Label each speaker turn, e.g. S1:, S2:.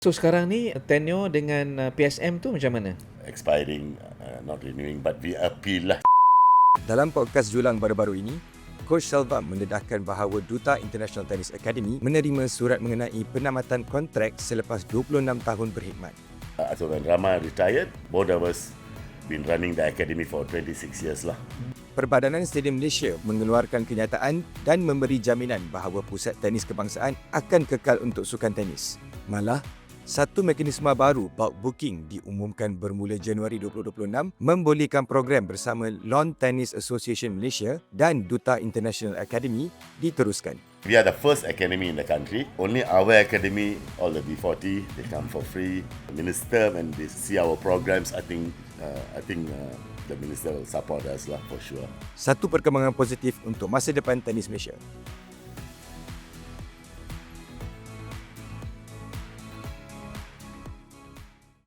S1: So sekarang ni tenure dengan PSM tu macam mana?
S2: Expiring, not renewing, but we appeal lah.
S3: Dalam podcast Julang baru-baru ini, Coach Selvam mendedahkan bahawa Duta International Tennis Academy menerima surat mengenai penamatan kontrak selepas 26 tahun berkhidmat.
S2: So when Rama retired, both of us been running the academy for 26 years lah.
S3: Perbadanan Stadium Malaysia mengeluarkan kenyataan dan memberi jaminan bahawa Pusat Tenis Kebangsaan akan kekal untuk sukan tenis. Malah, satu mekanisme baru bulk booking diumumkan bermula Januari 2026 membolehkan program bersama Lawn Tennis Association Malaysia dan Duta International Academy diteruskan.
S2: We are the first academy in the country. Only our academy, all the B40, they come for free. The minister, when they see our programs, I think the minister will support us lah for sure.
S3: Satu perkembangan positif untuk masa depan tenis Malaysia.